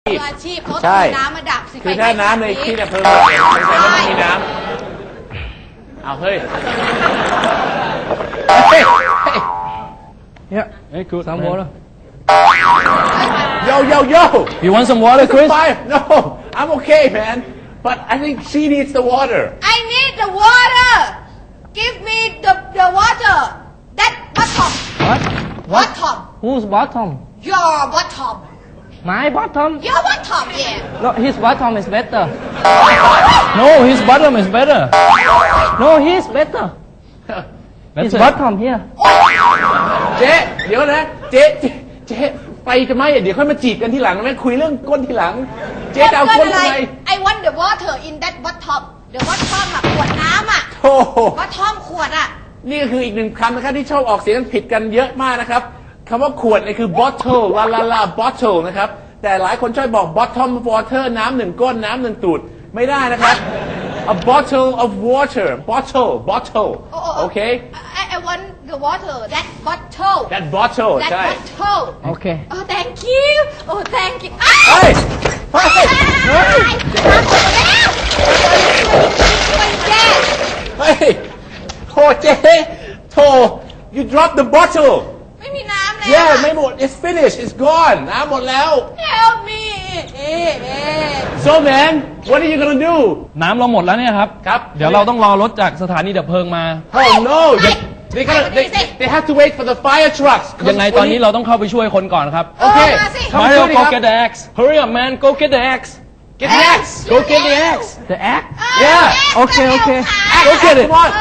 มืออาชีพเขาต้อใช่งมีน้ำมาดับสิคือถ้าน้ำในที่ดับเพลิงไม่ใช่ว่าต้องมีน้ำเอาเฮ้ยเฮ้ย Yeah. Hey, cool. Some water. Yo You want some water, Chris? Fire. No I'm okay man but I think she needs the water I need the water give me the water that bottom What? bottom Who's bottom? your bottom My bottom? your bottom yeah No, his bottom is better. No, his bottom is better. No, he's better. His bottom here. เจ๊เดี๋ยวนะเจ๊ไปจะไหมเดี๋ยวค่อยมาจีบกันทีหลังนะแม่คุยเรื่องก้นทีหลังเจ๊จะเอาก้นทำไม I want the water in that bottom the bottom อะขวดน้ำอะโอ้โห bottom ขวดอะนี่ก็คืออีกหนึ่งคำนะครับที่ชอบออกเสียงกันผิดกันเยอะมากนะครับคำว่าขวดเนี่ยคือ bottle bottle นะครับแต่หลายคนชอบบอก bottom of water น้ำหนึ่งก้นน้ำหนึ่งตูดไม่ได้นะครับ a bottle of water bottle โอเค I want the water that bottle that bottle that ใช่ bottle Okay. oh thank you oh thank you เฮ้ยเฮ้ยเฮ้ยช่วยแก้เฮ้ยโถเจ๊โถ you dropped the bottle ไม่มีน้ำแล้ว yeah ไม่หมด it's finished it's gone น้ำหมดแล้ว help me so man what are you gonna do น้ำเราหมดแล้วเนี่ยครับครับเดี๋ยวเราต้องรอรถจากสถานีดับเพลิงมา oh no they have to wait for the fire trucks ยังไงตอนนี้เราต้องเข้าไปช่วยคนก่อนครับโอเคมาสิเข้าไป Mario, ช่วยดิ go ครับ get the axe. Hurry up, man. Go get the axe. get the axe Go get the axe. The axe? Yeah. Okay, okay. Axe, Go get axe, it. come on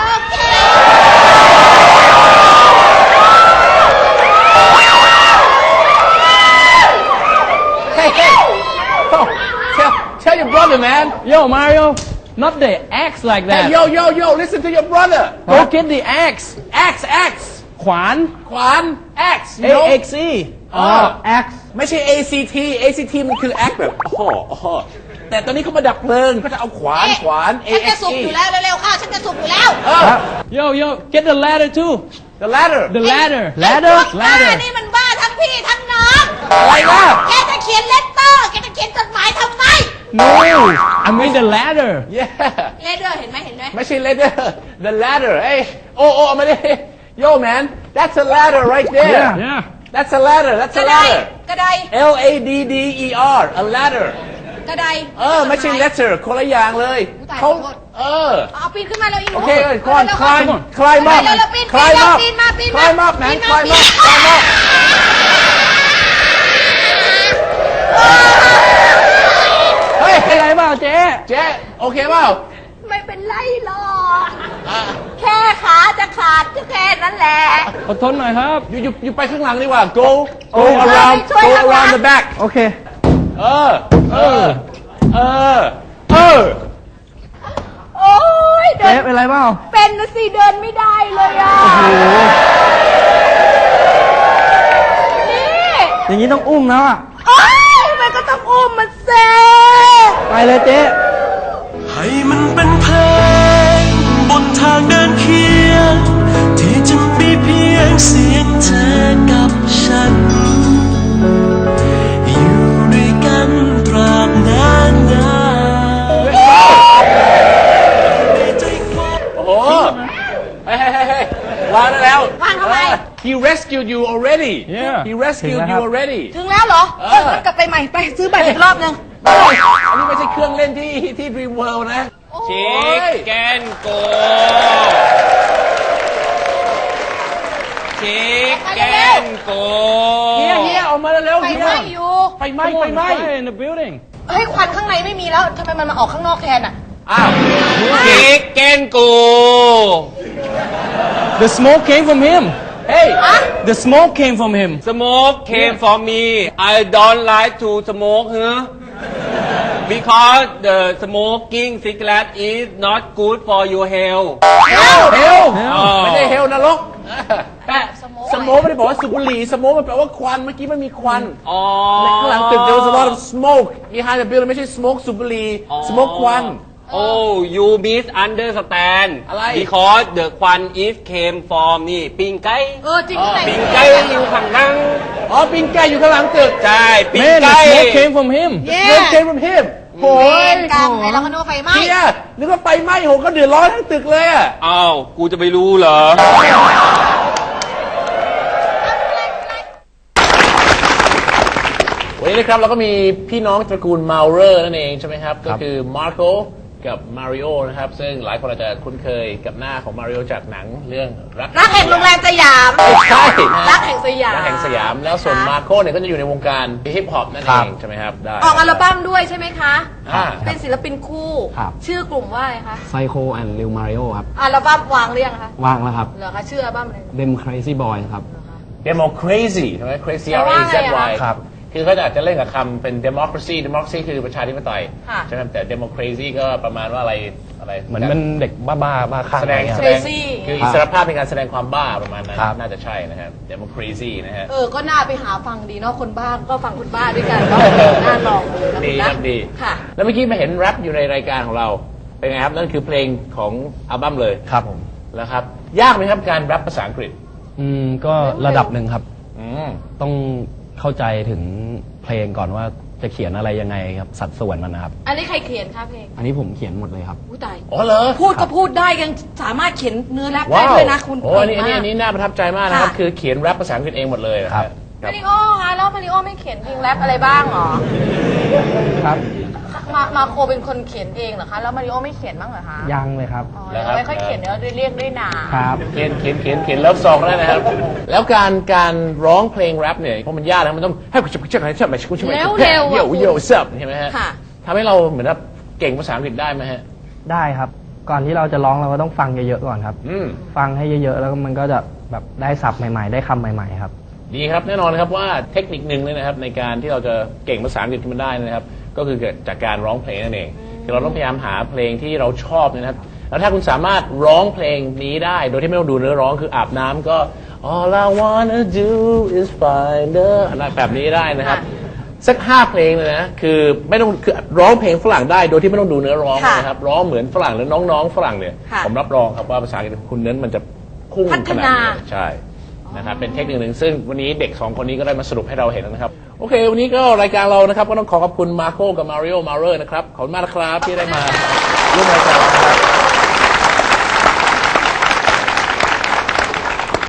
เฮ้ย oh, tell your brother man Yo, Mario. Not the axe like hey that. yo listen to your brother Go get the axe. axe ขวานขวาน axe you A know X E. Oh, axe ไม่ใช่ ACT มันคือ axe แบบโอ้โหแต่ตอนนี้เขามาดับเพลิงเขาจะเอาขวานฉันจะสุกอยู่แล้วเร็วๆค่ะฉันจะสุกอยู่แล้ว Yo, get the ladder too. the ladder The ladder. บ้านี่มันบ้าทั้งพี่ทั้งน้องอะไรล่ะแกจะเขียนเลตเตอร์แกจะเขียนจดหมายทำไม No, I mean the ladder. yeah เลเดอร์เห็นไหมไม่ใช่ ladder the ladder เอ้ยโอ้ไม่ได้ yo man that's a ladder right there Yeah. that's a ladder that's ก a ระได ladder กระได LADDER a ladder กระไดไม่ใช่ letter คนละอย่างเลยตายเขาขอโทษ เอาปีนขึ้นมาเลยอีหนูโอเคก่อน climb up climb up ปีนมา climb up man climb up เฮ้ยเป็นไรเปล่าเจ๊เจ๊โอเคเปล่าไม่เป็นไรหรอกแค่ขาจะขาดก็แค่นั้นแหละอดทนหน่อยครับอยู่ไปข้างหลังดีกว่า go โอ้ around ช่วย go ข้างหลัง around the back โอเคเออโอ้ยเดิเจ๊นเป็นไรเปล่าเป็นนะสิเดินไม่ได้เลยอ่ะนี่อย่างนี้ต้องอุ้มแล้วอ่ะโอ้ยมันก็ต้องอุ้มมันเซ่ไปเลยเจ๊ให้มันเป็นเพลงบนทางเดินเคียงที่จะมีเพียงเสียงเธอกับฉันอยู่ด้วยกันตราบนานนานในใจความโอ้โหเฮ้ยวางได้แล้ววางทำไม He rescued you already Yeah. He rescued you already ถึงแล้วเหรองั้นกลับไปใหม่ไปซื้อบัตรอีกรอบนึงไม่อันนี้ไม่ใช่เครื่องเล่นที่ Dream World นะ Chicken Go Chicken Go เฮียออกมาเร็วๆไฟเฮียไหม้อยู่ไฟไหม้ไฟไหม้ in the building เฮ้ยควันข้างในไม่มีแล้วทำไมมันมาออกข้างนอกแทนอ่ะอ้าว Chicken Go The smoke came from him เฮ้ย The smoke came from him Smoke came from me I don't like to smoke huh because the smoking cigarette is not good for your health เฮลอ๋อไม่ใช่เฮลนรกสโมกอะไรไม่ได้บอกว่าสูบบุหรี่สโมกมันแปลว่าควันเมื่อกี้มันมีควันอ๋อข้างหลังตึก there was a lot of smoke behind the building ไม่ใช่ smoke สูบบุหรี่ smoke ควัน Oh you misunderstand อะไร because the ควัน is came from นี่ปิงไก่จริงไหนปิงไก่อยู่ข้างหลังอ๋อปิงไก่อยู่ข้างหลังตึกใช่ปิง Man, the ไก่ smoke came from him. เย้เริ่มเกมfrom him โอ้เวย รกรรมไอ้เราก็นึกว่าไฟไหม้เชียนึกว่าไฟไหม้โหเขาเดือดร้อนทั้งตึกเลยอะอ้าวกูจะไปรู้เหรอวันนี้นะครับเราก็มีพี่น้องตระกูลมาเรอร์นั่นเองใช่ไหมครับ ก็คือมาร์โกกับมาริโอนะครับซึ่งหลายคนอาจจะคุ้นเคยกับหน้าของมาริโอจากหนังเรื่องรักแห่งโรงแรมสยามไม่ใช่รักแห่งสยามรักแห่งสยามแล้วส่วนมาโกเนี่ยก็จะอยู่ในวงการฮิปฮอปนั่นเองใช่ไหมครับได้ออกอัลบั้มด้วยใช่ไหมคะอ่าเป็นศิลปินคู่ครับชื่อกลุ่มว่าอะไรคะไซโคแอนด์ริวมาริโอครับอัลบั้มวางหรือยังคะว่างแล้วครับเหรอคะชื่ออัลบั้มอะไรเดมครซี่บอยครับ Democracy ใช่ไหม Crazy แปล R ว่า A อะไร Z อะ Y ครับคือเขาอาจจะเล่นกับคำเป็น democracy democracy คือประชาธิปไตยค่ะใช่ไหมแต่ democracy ก็ประมาณว่าอะไรเหมือนเป็นเด็กบ้าๆบ้าคลั่งแสดงอะไรเงี้ยแสครับดง Crazy คืออิสรภาพในการแสดงความบ้าประมาณนั้นครับน่าจะใช่นะครับ democracy นะฮะก็น่าไปหาฟังดีเนาะคนบ้าก็ฟังคนบ้าด้วยกันก็น่าลองเลยนะดีคุณคนะรับดีค่ะแล้วเมื่อกี้มาเห็นแรปอยู่ในรายการของเรา เป็นไงครับ นั่นคือเพลงของอัลบั้มเลยครับผมแล้วครับ ยากไหมครับการแรปภาษาอังกฤษก็ระดับหนึ่งครับอืมต้องเข้าใจถึงเพลงก่อนว่าจะเขียนอะไรยังไงครับ สัดส่วนมันนะครับอันนี้ใครเขียนคะเพลงอันนี้ผมเขียนหมดเลยครับอุ้ยตายอ๋อเหรอพูดก็พูดได้ยังสามารถเขียนเนื้อแรปได้ว้าวด้วยนะคุณโอ้อันนี้เก่งมากอันนี้น่าประทับใจมากนะครับค่ะคือเขียนแรปภาษาอังกฤษเองหมดเลยนะคครัรับบ ครับมาริโอคะแล้วมาริโอไม่เขียนเพลงแรปอะไรบ้างเหรอครับมาโคเป็นคนเขียนเองเหรอคะแล้วมาริโอไม่เขียนบ้างเหรอคะยังเลยครับอ๋อยังไม่ค่อยเขียนเนื้อเรียกด้วยนาครับเขียนเลิฟซองได้นะครับ แล้วการร้องเพลงแรปเนี่ยเพราะมันยากนะมันต้องให้คุณจะให้ฉันมาคุณจะมาเร็วๆโยอะคุณโย่ซับใช่ไหมฮะค่ะทำให้เราเหมือนแบบเก่งภาษาอังกฤษได้ไหมฮะได้ครับ ก่อนที่เราจะร้องเราก็ต้องฟังเยอะๆก่อนครับอืมฟังให้เยอะๆ แล้วมันก็จะแบบได้ศัพท์ใหม่ๆ ได้คำใหม่ๆครับดีครับแน่นอนครับว่าเทคนิคหนึ่งเลยนะครับในการที่เราจะเก่งภาษาอังกฤษขึ้นมาได้นะครับ ก็คือเกิดจากการร้องเพลงนั่นเองคือเราต้องพยายามหาเพลงที่เราชอบนะครับ แล้วถ้าคุณสามารถร้องเพลงนี้ได้โดยที่ไม่ต้องดูเนื้อร้องคืออาบน้ำก็ all I wanna do is find her อะไรแบบนี้ได้นะครับ สัก5เพลงเลยนะคือไม่ต้องคือร้องเพลงฝรั่งได้โดยที่ไม่ต้องดูเนื้อร้องค่ะนะครับร้องเหมือนฝรั่งหรือน้องๆฝรั่งเนี่ยค่ะผมรับรองครับว่าภาษาอังกฤษของคุณนั้นมันจะพุ่งพัฒขนาดนานี้ใช่นะครับเป็นเทคนิคหนึ่งซึ่งวันนี้เด็ก2คนนี้ก็ได้มาสรุปให้เราเห็นแล้วนะครับโอเค วันนี้ก็รายการเรานะครับก็ต้องขอบคุณมาโคกับมาริโอมาเรอร์นะครับขอบคุณมากนะครับที่ได้มาร่วมรายการเรานะครับ